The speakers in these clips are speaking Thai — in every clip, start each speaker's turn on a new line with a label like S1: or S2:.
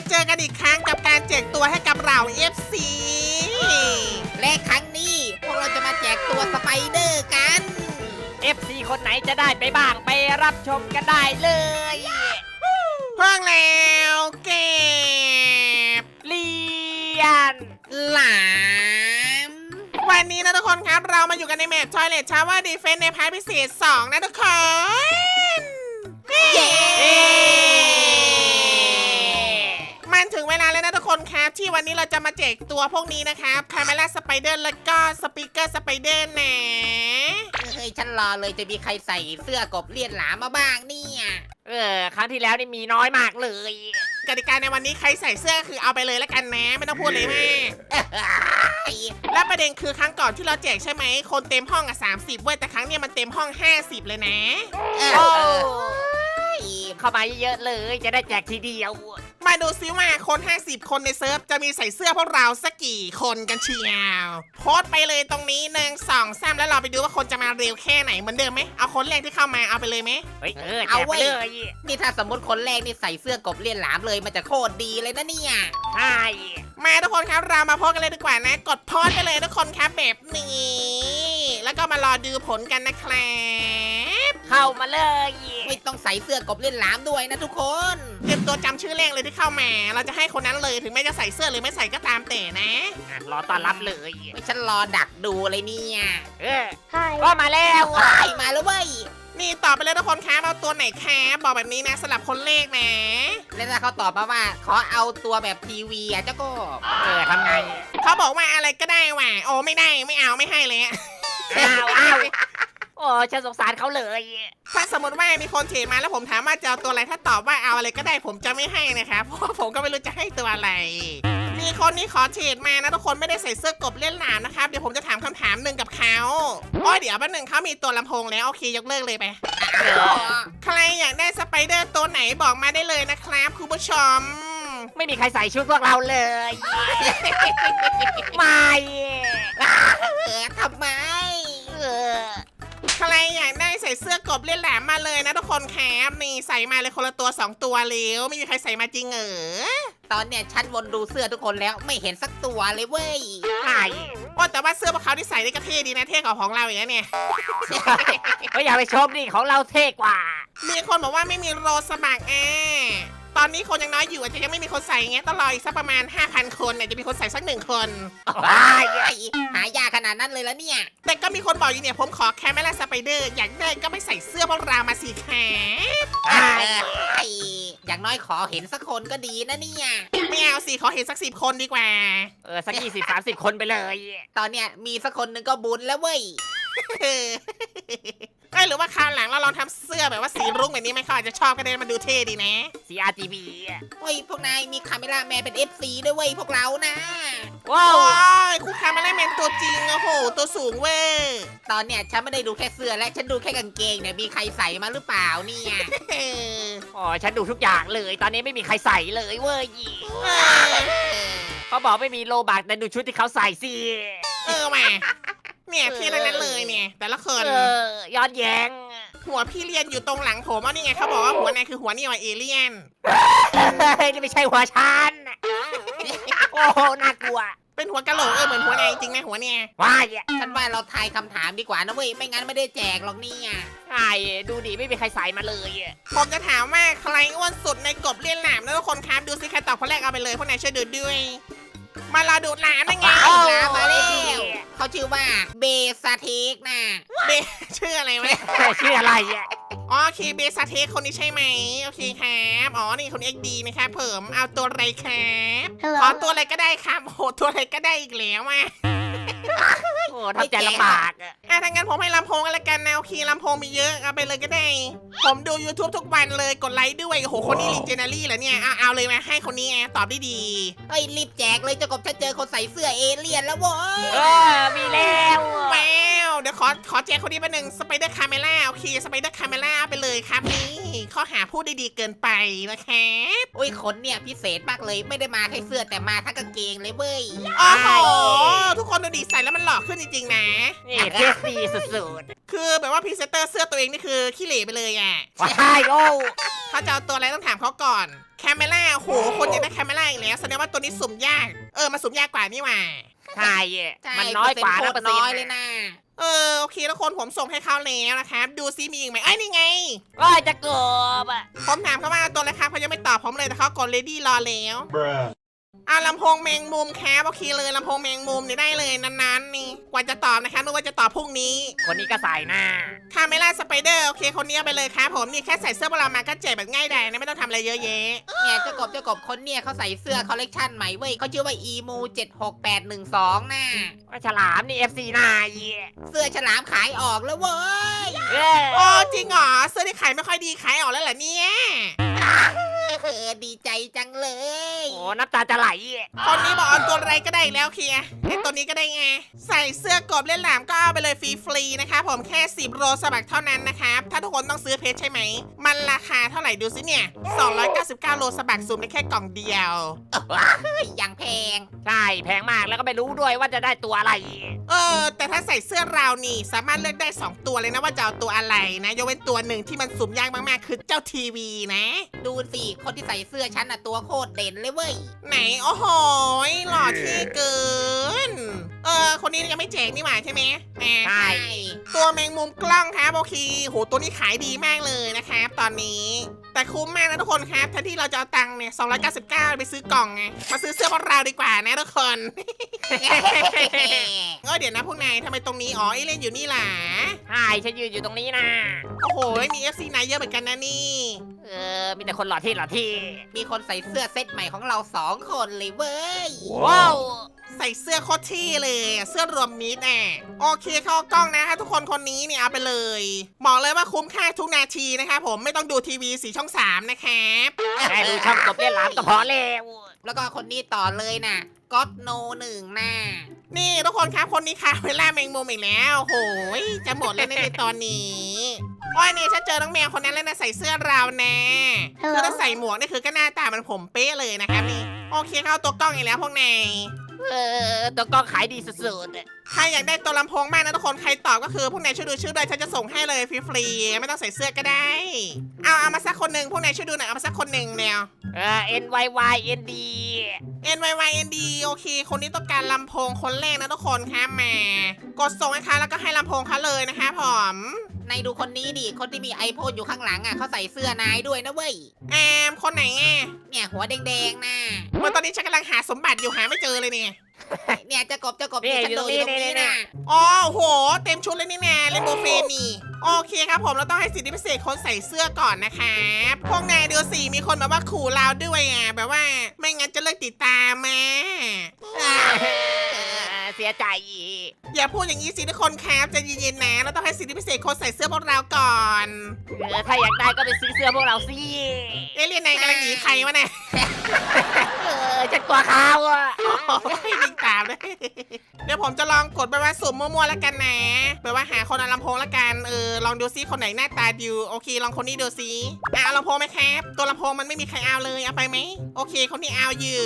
S1: เจอกันอีกครั้งกับการแจกตัวให้กับเรา FC
S2: และครั้งนี้พวกเราจะมาแจกตัวสไปเดอร์กัน
S3: FC คนไหนจะได้ไปบ้างไปรับชมกันได้เลย
S1: เพิ่งแล้วเก็บ
S3: เรียน
S2: หลาม
S1: วันนี้นะทุกคนครับเรามาอยู่กันในแมป Toilet Tower Defense ในพาร์ทพิเศษ 2 นะทุกคน
S2: เย้
S1: มันถึงเวลาแล้วนะทุกคนครับที่วันนี้เราจะมาแจกตัวพวกนี้นะครับคาเมล่าสไปเดอร์แล้วก็สปีกเกอร์สไปเดอร์นะ
S2: เฮ้ยฉันรอเลยจะมีใครใส่เสื้อกบเลียนหลามมาบ้างเนี่ย
S3: ครั้งที่แล้วนี่มีน้อยมากเลย
S1: กติกาในวันนี้ใครใส่เสื้อคือเอาไปเลยแล้วกันนะไม่ต้องพูดเลยแม่ และประเด็นคือครั้งก่อนที่เราแจกใช่ไหมคนเต็มห้องอ่ะ30เว้ยแต่ครั้งเนี้ยมันเต็มห้อง50เลยนะ
S3: โอ้เข้ามาเยอะๆเลยจะได้แจกทีเดียว
S1: มาดูซิว่าคน50คนในเซิร์ฟจะมีใส่เสื้อพวกเราสักกี่คนกันเชียวโพสต์ไปเลยตรงนี้1 2 3แล้วเราไปดูว่าคนจะมาเร็วแค่ไหนเหมือนเดิมไหมเอาคนแรกที่เข้ามาเอาไปเลยไหม
S3: เฮ้ยแจกไปเลย
S2: นี่ถ้าสมมติคนแรกนี่ใส่เสื้อกบเลียนหลามเลยมันจะโคตรดีเลยนะเนี่ย
S3: ใช่
S1: มาทุกคนครับเรามาโพสต์กันเลยดีกว่านะกดโพสต์ไปเลยทุกคนครับแบบนี้แล้วก็มารอดูผลกันนะครับ
S3: เข้ามาเลย
S2: ไม่ต้องใส่เสื้อกบเลียนหลามด้วยนะทุกคน
S1: เตรียมตัวจำชื่อแรกเลยที่เข้ามา เราจะให้คนนั้นเลยถึงแม้จะใส่เสื้อหรือไม่ใส่ก็ตามแต่นะ
S3: รอต้อนรับเลย
S2: ไม่ฉันรอดักดูเลยเนี่ย
S3: ก็มาแล้ว
S2: ว้ายมาแล้วเว้ย
S1: นี่ตอบไปเลยทุกคนครับเอาตัวไหนครับบอกแบบนี้นะสลับคนเลขนะ
S2: แล้วถ้าเขาตอบมาว่าขอเอาตัวแบบทีวีอ่ะเจ้าก็
S3: ทำไง
S1: เขาบอกว่าอะไรก็ได้ว่ะโอ้ไม่ได้ไม่เอาไม่ให้เลยอะ
S3: อ้าวโอ้ฉันสงสารเขาเลย
S1: ถ้าสมมติว่ามีคนเทรดมาแล้วผมถามว่าจะเอาตัวอะไรถ้าตอบว่าเอาอะไรก็ได้ผมจะไม่ให้นะครับเพราะว่าผมก็ไม่รู้จะให้ตัวอะไร มีคนนี้ขอเทรดมานะทุกคนไม่ได้ใส่เสื้อกบเล่นหลามนะครับเดี๋ยวผมจะถามคำถามหนึ่งกับเขาโอ้ยเดี๋ยวแป๊บนึงเขามีตัวลำโพงแล้วโอเคยกเลิกเลยไป ใครอยากได้สไปเดอร์ตัวไหนบอกมาได้เลยนะครับคุณผู้ชม
S3: ไม่มีใครใส่ชุดพวกเราเลยไม่
S2: ทำไม
S1: ใครอยากได้ใส่เสื้อกบเล่นแหลมมาเลยนะทุกคนครับนี่ใส่มาเลยคนละตัว2ตัวเร็วไม่มีใครใส่มาจริงเหรอ
S2: ตอนเนี้ยฉันวนดูเสื้อทุกคนแล้วไม่เห็นสักตัวเลยเว้ย
S3: ใช่
S1: โอ้แต่ว่าเสื้อพวกเขาที่ใส่ได้ก็เท่ดีนะเท่กว่าของเราอย่างนี้เนี่ย
S3: ก็อย่าไปชมดิของเราเท่กว่า
S1: มีคนบอกว่าไม่มีโรสมัครตอนนี้คนยังน้อยอยู่อาจจะยังไม่มีคนใส่เงี้ยต้องรออีกสักประมาณ 5,000 คนเนี่ยจะมีคนใส่สัก1 คน
S2: ว้ายหายากขนาดนั้นเลยแล้วเนี่ย
S1: แต่ก็มีคนบอกอยู่เนี่ยผมขอแคมเมล่าสไปเดอร์อยากได้ก็ไม่ใส่เสื้อพวกเรามาสิแค
S2: อย่างน้อยขอเห็นสักคนก็ดีนะเนี่ย
S1: ไม่เอาสิขอเห็นสัก10 คนดีกว่า
S3: สัก20-30 คนไปเลย
S2: ตอนเนี้ยมีสักคนหนึ่งก็บุญแล้วเว้ย
S1: หรือว่าคราวหลังเราลองทำเสื้อแบบว่าสีรุ้งแบบนี้ไหมเขาอาจจะชอบก็ได้มันดูเท่ดีนะ
S3: CRGB
S2: เฮ้ยพวกนายมีคาเมล่าแมนเป็น FC ด้วยเว้ยพวกเรานะ
S3: ว้า
S1: โอ้
S3: วย
S1: คู่ค้ามาไล่แมนตัวจริงโอ้โหตัวสูงเว้ย
S2: ตอนเนี้ยฉันไม่ได้ดูแค่เสื้อและฉันดูแค่กางเกงเนี่ยมีใครใส่มาหรือเปล่าเนี่ย
S3: ฉันดูทุกอย่างเลย ตอนนี้ไม่มีใครใส่เลยเว้ย
S1: เออ
S3: เขาบอกไม่มีโลบักแต่ดูชุดที่เขาใส่สิ
S1: แหม่เนี่ยที่นั้นเลยเนี่ย แต่ละคน
S3: ย้อนแย้ง
S1: หัวพี่เรียนอยู่ตรงหลังผมนี่ไงเขาบอกว่าหัวนายคือหัวนี่ว่าเอเลี่ยน
S3: นี่ไม่ใช่หัวฉันโอ้น่ากลัว
S1: เป็นหัวกะโหลกเหมือนหัวนายจริงนะหัวเนี่ย
S3: ว้าย
S2: ฉันว่าเราทายคำถามดีกว่านะเว้ยไม่งั้นไม่ได้แจกหรอกเนี่ย
S3: ใช่ดูดิไม่มีใครใส่มาเลย
S1: ผมจะถามว่าใครอ้วนสุดในกบเลี้ยนหลามนะทุกคนครับดูสิใครตอบคนแรกเอาไปเลยพวกนายช่วยดูด้วย มารอดูหลามได้ไง
S2: เอาละมาแล้วเขาชื่อว่าเบสเทกนะ
S1: เบชื่ออะไรวะ
S3: ชื่ออะไร
S1: อ๋อโอเคเบสเทคคนนี้ใช่ไหมโอเคครับอ๋อนี่คน XD นะครับเพิ่มเอาตัวอะไรครับขอตัวอะไรก็ได้ครับโอ้โหตัวอะไรก็ได้อีกแล้วอ่ะ
S3: โอ้ทำใจลำบาก
S1: ถ้างั้นผมให้ลำโพงกันละกันนะโอเคลำโพงมีเยอะเอาไปเลยก็ได้ ผมดู YouTube ทุกวันเลยกดไลค์ด้วยโอ้โหคนนี้ลีเจนารี่เหรอเนี่ยเอาเลยมาให้คนนี้ตอบได้ดี
S2: เฮ้ยรีบแจกเลยเจ้ากบฉันเจอคนใส่เสื้อเอเลี่ยนแล้วเว้ย
S3: มีแล้ว
S1: แววเดี๋ยวขอแจกคนนี้ไปหนึ่งสไปเดอร์คาเมล่าโอเคสไปเดอร์คาเมล่าไปเลยครับนี่ข้อหาพูดได้ดีเกินไปนะครับ
S2: อุ้ยขนเนี่ยพิเศษมากเลยไม่ได้มาแค่เสื้อแต่มาทั้งกางเกงเลยเว้ย
S1: โอ้โหทุกคนดูดีใส่แล้วมันหล่อขึ้นจริงๆนะ
S3: นี่เทสดีสุด
S1: คือแบบว่าพรีเซนเตอร์เสื้อตัวเองนี่คือขี้เหร่ไปเลยอ่ะ
S3: ๆว้ายโอ้
S1: เขาจะเอาตัวอะไรต้องถามเขาก่อนแคมเมล่าโหคนอยากได้แคมเมล่าอีกแล้วแสดงว่าตัวนี้สุ่มยากมาสุ่มยากกว่านี่หว่า
S3: ใช่
S2: ใช่
S3: มันน้อยกว่า
S2: เป
S3: นะ
S2: ร์
S3: เปอร์
S2: เซ็น
S3: เซ็น
S2: ต์น้อย
S3: ต์
S2: เลยนะ
S1: โอเคทุกคนผมส่งให้เขาแล้วนะครับดูซิมีอีกไหมนี่ไง
S3: โอ้ยจะเกือบอ่ะ
S1: ผมถามเขาว่าตัวอะไรครับเขายังไม่ตอบผมเลยแต่เขากด ready รอแล้ว
S4: Bruh.
S1: ลำโพงแมงมุมครับโอเคเลยลำโพงแมงมุมนี่ได้เลยนั้นๆนี่กว่าจะตอบนะครับนึกว่าจะตอบพรุ่งนี้
S3: คนนี้ก็ใส่หน้า
S1: คาเมล่าสไปเดอร์โอเคคนนี้เอาไปเลยครับผมนี่แค่ใส่เสื้อพวกเรามาก็แจกแบบง่ายดายนะไม่ต้องทำอะไรเยอะแยะ
S2: เนี่ยเจ้ากบคนเนี่ยเขาใส่เสื้อคอลเลกชันใหม่เว้ยเขาชื่อว่า emu 76812น่ะ
S3: ว่าฉลามนี่ FC หน้าเหี้ย
S2: เสื้อฉลามขายออกแล้วเว้ย
S3: เออ
S1: โอ้จริงเหรอเสื้อที่ขายไม่ค่อยดีขายออกแล้วเหรอเนี่ย
S2: ดีใจจังเลย
S3: โอ้น้ำตาจะไหล
S1: คนนี้บอกเอาตัวอะไรก็ได้อีกแล้วเคลียร์ไอ้ตัวนี้ก็ได้ไงใส่เสื้อกบเล่นหลามก็เอาไปเลยฟรีๆนะคะผมแค่10โรสบักเท่านั้นนะครับถ้าทุกคนต้องซื้อเพชรใช่ไหมมันราคาเท่าไหร่ดูสิเนี่ย299โรสบักสุ่มได้แค่กล่องเดียว
S2: อย่างแพง
S3: ใช่แพงมากแล้วก็ไม่รู้ด้วยว่าจะได้ตัวอะไร
S1: แต่ถ้าใส่เสื้อราวนี่สามารถเลือกได้2ตัวเลยนะว่าจะเอาตัวอะไรนะยกเว้นตัวหนึ่งที่มันสุ่มยากมากๆคือเจ้าทีวีนะ
S2: ดูสิคนที่ใส่เสื้อฉันน่ะตัวโคตรเด่นเลยเว้ย
S1: ไหนโอ้โหหล่อเท่เกินคนนี้ยังไม่แจกนี่หว่าใช่ไหม
S3: ใช่
S1: ตัวแมงมุมกล้องครับโอเคโหตัวนี้ขายดีมากเลยนะครับตอนนี้แต่คุ้มมากนะทุกคนครับแทนที่เราจะเอาตังค์เนี่ย299ไปซื้อกล่องไงมาซื้อเสื้อพวกเราดีกว่านะทุกคน เดี๋ยวนะพวกนายทำไมตรงนี้เอเล่นอยู่นี่ล่ะ
S3: ใช่ฉันยืนอยู่ตรงนี้นะ
S1: โอ้โหมี FC นายเยอะเหมือนกันนะนี่
S3: มีแต่คนหล่อที่หล่อที่
S2: มีคนใส่เสื้อเซตใหม่ของเรา2 คนเลยเว้ย
S3: ว้าว
S1: ใส่เสื้อโคตรเท่เลยเสื้อรวมมิตรโอเคเข้ากล้องนะทุกคนคนนี้เนี่ยเอาไปเลยบอกเลยว่าคุ้มค่าทุกนาทีนะครับผมไม่ต้องดูทีวีสีช่อง3นะครับ
S3: แค่ดูช่องกบเล่นหลามก็พอแล้ว
S2: แล้วก็คนนี้ต่อเลยนะก็อดโน1น่ะ
S1: นี่ทุกคนครับคนนี้ค่ะเวลาแมงมุมอีกแล้วโหยจะหมดแล้วในตอนนี้โอ้ยเนี่ยฉันเจอน้องแมวคนนั้นแล้วนะใส่เสื้อเราวนะคือถ้าใส่หมวกนี่คือก็หน้าตามันผมเป๊ะเลยนะครับนี่โอเคเข้าตัวกล้องอีกแล้วพวกนาย
S3: ตัวกล้องขายดีสุด
S1: ใครอยากได้ตัวลำโพงมากนะทุกคนใครตอบก็คือพวกนายช่วยดูชื่อด้วยฉันจะส่งให้เลยฟรีๆไม่ต้องใส่เสื้อก็ได้เอามาสักคนหนึ่งพวกนายช่วยดูหน่อยเอามาสักคนหนึ่งแนว
S3: NYYND
S1: NYYND โอเค คนนี้ต้องการลำโพงคนแรกนะทุกคนครับมากดส่งให้เขาแล้วก็ให้ลำโพงเขาเลยนะคะผม
S2: นายดูคนนี้ดิคนที่มีไอโฟนอยู่ข้างหลังอ่ะเขาใส่เสื้อนายด้วยนะเว้ย
S1: คนไหนอ่ะ
S2: เนี่ยหัวแดงๆนะ
S1: เมื่อตอนนี้ฉันกำลังหาสมบัติอยู่หาไม่เจอเลยเนี่ย
S2: เนี่ยเจะกบเนี่ยฉันดูอยู่ตรงนี้นะ
S1: อ๋อโหเต็มชุดเลยนี่แน่เลนโบเฟนนี่โอเคครับผมเราต้องให้สิทธิพิเศษคนใส่เสื้อก่อนนะครับพวกนายดูสิมีคนแบบว่าขู่เราด้วยแบบว่าไม่งั้นจะเลิกติดตามมา
S3: เสียใจ
S1: อย่าพูดอย่างนี้สิทุกคนครับใจเย็นๆนะเราต้องให้สิทธิพิเศษคนใส่เสื้อพวกเราก่อน
S3: ถ้าอยากได้ก็ไปซื้อเสื้อพวกเราสิ
S1: เรียนนายกำลังหนีใครวะเนี่ย
S3: ฉันกลัวเขาอ่ะ
S1: วิ่งตามเลยเดี๋ยวผมจะลองกดไปว่าสุ่มมั่วๆแล้วกันนะแบบว่าหาคนเอาลำโพงแล้วกันลองดูซิคนไหนหน้าตาดิวโอเคลองคนนี้ดูซิเอาลำโพงไหมครับตัวลำโพงมันไม่มีใครเอาเลยเอาไปไหมโอเคคนนี้เอาอยู่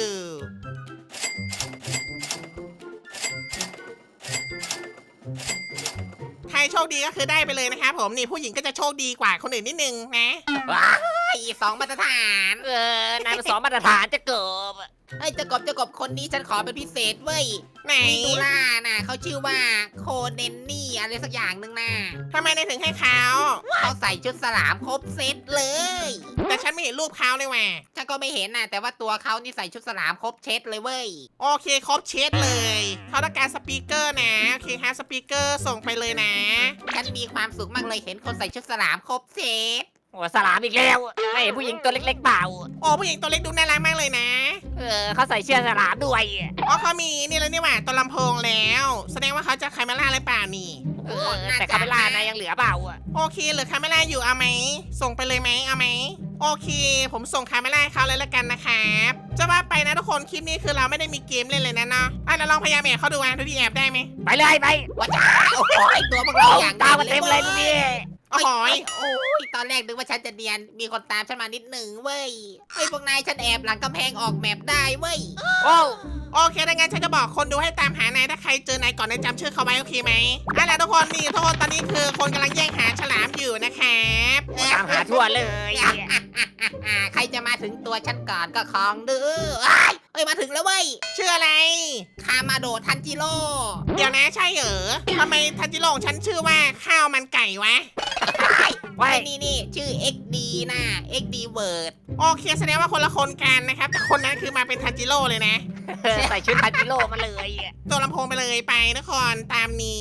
S1: ใครโชคดีก็คือได้ไปเลยนะครับผมนี่ผู้หญิงก็จะโชคดีกว่าคนอื่นนิดนึงนะ
S2: 2 มาตรฐาน
S3: นายเป็น2 มาตรฐานจะเกิบ
S2: เฮ้ยเจะกบคนนี้ฉันขอเป็นพิเศษเว้ย
S1: ไหน
S2: มีดูล่าน่ะเขาชื่อว่าโคเนนนี่อะไรสักอย่างหนึ่งน่ะ
S1: ทำไมนายถึงให้เขา
S2: เขาใส่ชุดสลามครบเซตเลย
S1: แต่ฉันไม่เห็นรูปเขาเลยว่ะ
S2: ฉันก็ไม่เห็นน่ะแต่ว่าตัวเขานี่ใส่ชุดสลามครบเช็ดเลยเว้ย
S1: โอเคครบเช็ดเลยเขาต้องการสปีกเกอร์นะโอเคฮะสปีกเกอร์ส่งไปเลยนะ
S2: ฉันมีความสุขมากเลยเห็นคนใส่ชุดสลามครบเซต
S3: โอ้สลามอีกแล้วไม่เห็นผู้หญิงตัวเล็กๆเปล่า
S1: โอ้ผู้หญิงตัวเล็กดูน่ารักมากเลยนะ
S3: เขาใส่เสื้อสลามด้วย
S1: อ๋อเขามีนี่แล้วนี่หว่าตัวลำโพงแล้ว แสดงว่าเขาจะคาเมล่าอะไรเปล่านี่
S3: แต่คาเมล่านายยังเหลือเปล่า
S1: โอเคเหลือคาเมล่าอยู่เอาไหมส่งไปเลยไหมเอาไหมโอเค ผมส่งคาเมล่าให้เขาเลยละกันนะครับจะว่าไปนะทุกคนคลิปนี้คือเราไม่ได้มีเกมเล่นเลยนะเนาะเราลองพยายามแอบเขาดูดูที่แอบได้ไหม
S3: ไปเลยไป
S2: ว้าจ้าโอ้ยตัวพวกเราอย่าง
S3: ตามมาเต็มเลยนี่
S1: โอ้โหย
S2: โอ้ยตอนแรกนึกว่าฉันจะเนียนมีคนตามฉันมานิดหนึ่งเว้ยเฮ้ยพวกนายฉันแอบหลังกำแพงออกแมปได้เว้ย
S3: โอ้
S1: โอเคดังนั้นฉันจะบอกคนดูให้ตามหานายถ้าใครเจอนายก่อนนายจำชื่อเขาไว้โอเคไหมแล้วทุกคนนี่ทุกคนตอนนี้คือคนกำลังแย่งหาฉลามอยู่นะครับ
S3: ตามหาทั่วเลย
S2: ใครจะมาถึงตัวฉันก่อนก็ของดื้อเอ้ยมาถึงแล้วเว้ย
S1: ชื่ออะไร
S2: คามาโดะทันจิโร่
S1: เดี๋ยวนะใช่เหรอทำไมทันจิโร่ของฉันชื่อว่าข้าวมันไก่วะ
S3: ไว้
S2: ไอ้นี่ชื่อ XD นะ XD Word
S1: โอเคแสดงว่าคนละคนกันนะครับแต่คนนั้นคือมาเป็นทันจิโร่เลยนะ
S3: ใส่ชุดทันจิโร่มาเลย
S1: ตัวลำโพงไปเลยไปนครตามนี้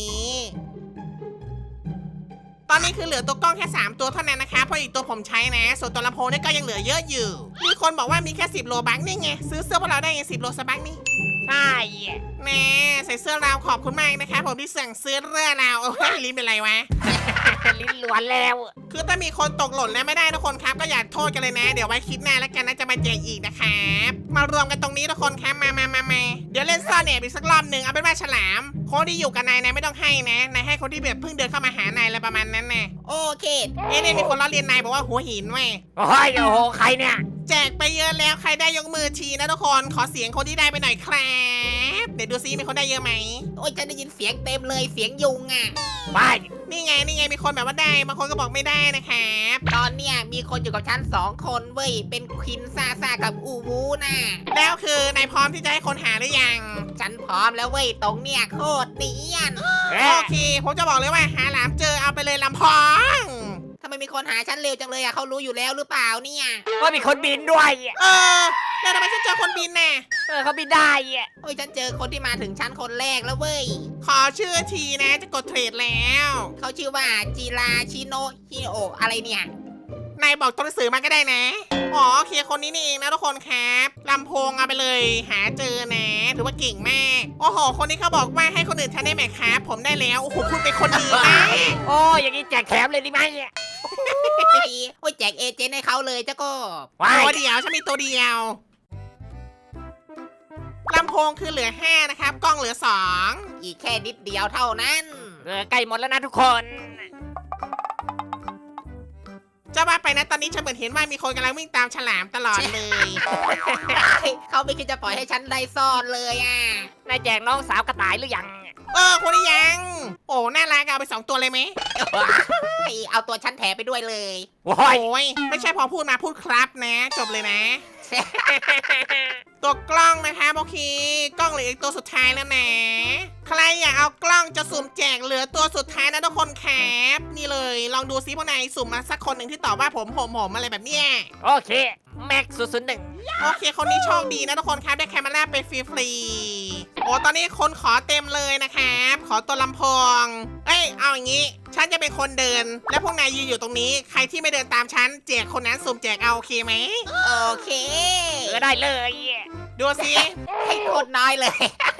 S1: ตอนนี้คือเหลือตัวกล้องแค่ 3 ตัวเท่านั้นนะคะเพราะอีกตัวผมใช้นะ ส่วนตัวลำโพงเนี่ยก็ยังเหลือเยอะอยู่ มีคนบอกว่ามีแค่10โลบัคนี่ไงซื้อเสื้อพวกเราได้ไง10โลสบัคนี่
S3: ใช่
S1: แน่ใส่เสื้อราวขอบคุณมากนะคะผมที่สั่งซื้อเสื้อราวโอ้ยลิ้นเป็นไรวะ
S3: ลิ้นล้วนแล้ว
S1: คือถ้ามีคนตกหล่นแล้วไม่ได้ทุกคนครับก็อย่าโทษกันเลยนะ เดี๋ยวไว้คลิปหน้าแล้วกันนะจะมาแจกอีกนะครับมารวมกันตรงนี้ทุกคนครับมาเดี๋ยวเล่นซ่อนแอบอีกสักรอบหนึ่งเอาเป็นว่าฉลามคนที่อยู่กับนายไม่ต้องให้นะนายให้คนที่แบบเพิ่งเดินเข้ามาหานายอะไรประมาณนั้นนะ
S2: โอเค
S1: เนี่ยมีคนล้อเลียนนายบอกว่าหัวหินเว้ย
S3: โอ้ยโอ้โหใครเนี่ย
S1: แจกไปเยอะแล้วใครได้ยกมือทีนะทุกคนขอเสียงคนที่ได้ไปหน่อยครับเดี๋ยวดูซิมีคนได้เยอะไหม
S2: โอ้ยฉันได้ยินเสียงเต็มเลยเสียงยุงอ่ะ
S3: ไป
S1: นี่ไงมีคนแบบว่าได้บางคนก็บอกไม่ได้นะครับ
S2: ตอนเนี้ยมีคนอยู่กับฉัน2 คนเว้ย เป็นควินซ่ากับอูวูน่ะ
S1: แล้วคือนายพร้อมที่จะให้คนหาหรือยัง
S2: ฉันพร้อมแล้วเว้ย ตรงเนี้ยโคตรเนียน
S1: โอเค ผมจะบอกเลยว่าหาหลามเจอเอาไปเลยลำพอง
S2: ทำไมมีคนหาฉันเร็วจังเลยอ่ะเขารู้อยู่แล้วหรือเปล่าเนี่ย
S3: ว่ามีคนบินด้วย
S1: แล้วทำไมฉันเจอคนบินน่ะ
S3: เขาบินได้
S2: โอ้ยฉันเจอคนที่มาถึงชั้นคนแรกแล้วเว้ย
S1: ขอชื่อทีนะจะกดเทรดแล้ว
S2: เขาชื่อว่าจิราชิโนะฮิโอะอะไรเนี่ย
S1: นายบอกตัวหนังสือมาก็ได้นะ อ๋อโอเคคนนี้นี่เองนะทุกคนครับลำโพงเอาไปเลย หาเจอนะถือว่าเก่งมาก โอ้โห คนนี้เขาบอกว่าให้คนอื่นแทนได้ไหมครับผมได้แล้ว โอ้โหคุณเป็นคนดีมาก
S3: โอ้ยอย่างนี้แจกแถมเลยดีไหม
S2: โอ้ยแจกเอเจนต์ให้เขาเลยเจ้าก็
S3: ว้าย
S1: ตัวเดียวฉันมีตัวเดียวลำโพงคือเหลือ5นะครับ กล้องเหลือ2
S2: อีกแค่นิดเดียวเท่านั้น
S3: ใกล้หมดแล้วนะทุกคน
S1: จะว่าไปนะตอนนี้ฉันเหมือนเห็นว่ามีคนกำลังวิ่งตามฉลามตลอดเลย
S2: เขาไม่คิดจะปล่อยให้ฉันได้ซ่อนเลยอ่ะ
S3: นายแจกน้องสาวกระต่ายหรือยัง
S1: คนนี้ยัง โอ้น่ารักเอาไป2ตัวเลยไหม
S2: เอาตัวฉันแถไปด้วยเลย
S3: โอ้
S1: โอ้
S3: ย
S1: ยไม่ใช่พอพูดมาพูดครับนะ จบเลยนะ ตัวกล้องนะคะโอเคกล้องเหลืออีกตัวสุดท้ายแล้วนะ ใครอยากเอากล้องจะสุ่มแจกเหลือตัวสุดท้ายนะทุกคนครับนี่เลยลองดูซิพวกนายสุ่มมาสักคนหนึ่งที่ตอบว่าผมอะไรแบบเนี้ย
S3: โอเคแม็ก001
S1: โอเคคนนี้โชคดีนะทุกคนครับได้แคมเมราไปฟรีๆโอ้ตอนนี้คนขอเต็มเลยนะครับขอตัวลำโพงเอาอย่างนี้ฉันจะเป็นคนเดิน แล้วพวกนายยืนอยู่ตรงนี้ใครที่ไม่เดินตามฉันแจกคนนั้นสุ่มแจกเอาโอเคไหม
S2: โอเค
S3: ได้เลย
S1: ดูซิ
S2: ให้โคตรน้อยเลย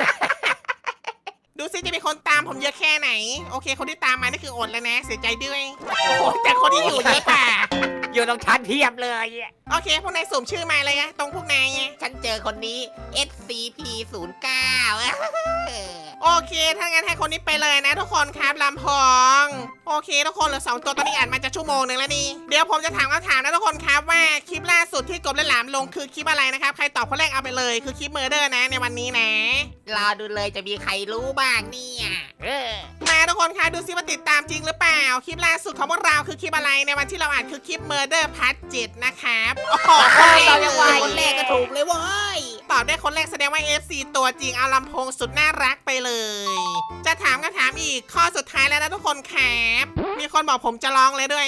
S1: ดูซิจะมีคนตามผมเยอะแค่ไหน โอเค คนที่ตามมานี่คืออดแล้วนะ เสียใจด้วยโอ้โหแต่คนที่อยู่เยอะกว่า
S3: อยู่ตรงชั้นเทียบเลย
S1: โอเค พวกนายสุ่มชื่อมาเลยอะตรงพวกนายไง
S2: ฉันเจอคนนี้ SCP-09
S1: โอเคถ้างั้นให้คนนี้ไปเลยนะทุกคนครับลำพอง โอเคทุกคนเหลือ2ตัวตอนนี้อ่านมาจะชั่วโมงหนึ่งแล้วนี่เดี๋ยวผมจะถามคำถามนะทุกคนครับว่าคลิปล่าสุดที่กบและหลามลงคือคลิปอะไรนะครับใครตอบคนแรกเอาไปเลยคือคลิปเมอร์เดอร์นะในวันนี้นะ
S2: รอดูเลยจะมีใครรู้บ้างเนี่ย
S1: มาทุกคนคะดูซิว่าติดตามจริงหรือเปล่าคลิปล่าสุดของพวกเราคือคลิปอะไรในวันที่เราอ่านคือคลิป Murder Part 7นะครับโอ้โห
S2: เรายังว่าคนแรกก็ถูกเลยเว้ย
S1: ตอบได้คนแรกแสดงว่า FC ตัวจริงเอาลำโพงสุดน่ารักไปเลย จะถามคำถามอีกข้อสุดท้ายแล้วนะทุกคนครับมีคนบอกผมจะร้องเลยด้วย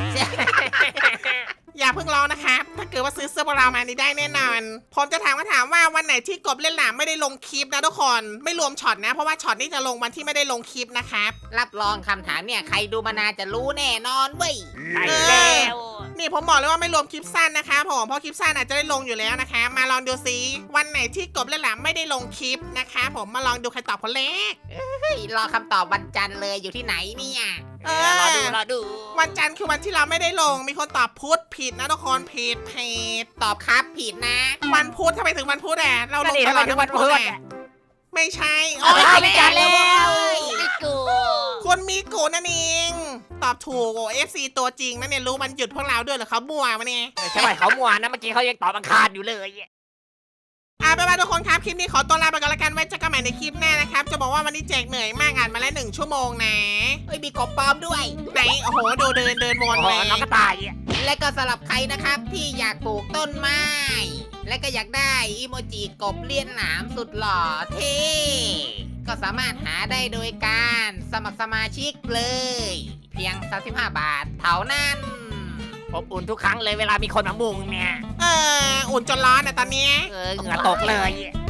S1: อย่าเพิ่งร้องนะครับถ้าเกิดว่าซื้อเสื้อพวกเรามานี่ได้แน่นอนผมจะถามว่าวันไหนที่กบเล่นหลามไม่ได้ลงคลิปนะทุกคนไม่รวมช็อตนะเพราะว่าช็อตนี้จะลงวันที่ไม่ได้ลงคลิปนะครับ
S2: รับรองคำถามเนี่ยใครดูมานานจะรู้แน่นอนเว้ย
S3: ได้แล้ว
S1: นี่ผมบอกเลยว่าไม่รวมคลิปสั้นนะคะผมเพราะคลิปสั้นอาจจะได้ลงอยู่แล้วนะคะมาลองดูซิวันไหนที่กบเล่นหลามไม่ได้ลงคลิปนะคะผมมาลองดูใครตอบคนแรก
S2: เฮ้ยรอคำตอบวันจันทร์เลยอยู่ที่ไหนเนี่ย
S3: รอดู
S1: วันจันทร์คือวันที่เราไม่ได้ลงมีคนตอบพุธผิดนะทุกคนผิด
S2: ตอบครับผิดนะ
S1: วันพุธทำไมถึงวันพุธอ่ะเราล
S3: นั่น
S1: ง
S3: ดิ
S1: ต
S3: ทำ
S1: ล
S3: ไม
S1: อด
S3: ถึ
S1: ทั้
S3: ง
S1: ง
S3: วั
S1: วัน น
S3: พุ
S1: พุ
S3: ธ
S1: ธ
S3: อ่ะ
S1: อ่ะไม่ใช่
S3: โอ้ย
S2: ไม่จันแล้วไม่กู
S1: คุณมีกูนั่นเองตอบถูกโอ้ FC ตัวจริงนะเนี่ยรู้มันหยุดพวกเราด้วยเหรอเขาบัวมาเนี่ย
S3: ใช่ไหมเขามัวนะเมื่อกี้เขายังตอบอังคารอยู่เลย
S1: ไปทุกคนครับคลิปนี้ขอตัวลาไปก่อนละกันไว้เจอกันใหม่ในคลิปหน้านะครับจะบอกว่าวันนี้แจกเหนื่อยมากอ่านมาแล้ว1 ชั่วโมงนะ
S2: เอ้ยมีกบปลอมด้วย
S1: ไหนโอ้โหดูเดินว
S3: โอ้
S1: น
S3: โห
S1: เลย
S3: น้องกระต่ายอะ
S2: และก็สำหรับใครนะครับที่อยากปลูกต้นไม้ และก็อยากได้อีโมจิกบเลี้ยนหนามสุดหล่อเท่ก็สามารถหาได้โดยการสมัครสมาชิกเลย เพียง35 บาทเท่านั้น
S3: อบอุ่นทุกครั้งเลยเวลามีคนมามุงเนี่ย
S1: อุ่นจนร้อนนะตอนเนี้ย
S3: เหงื่อตกเลย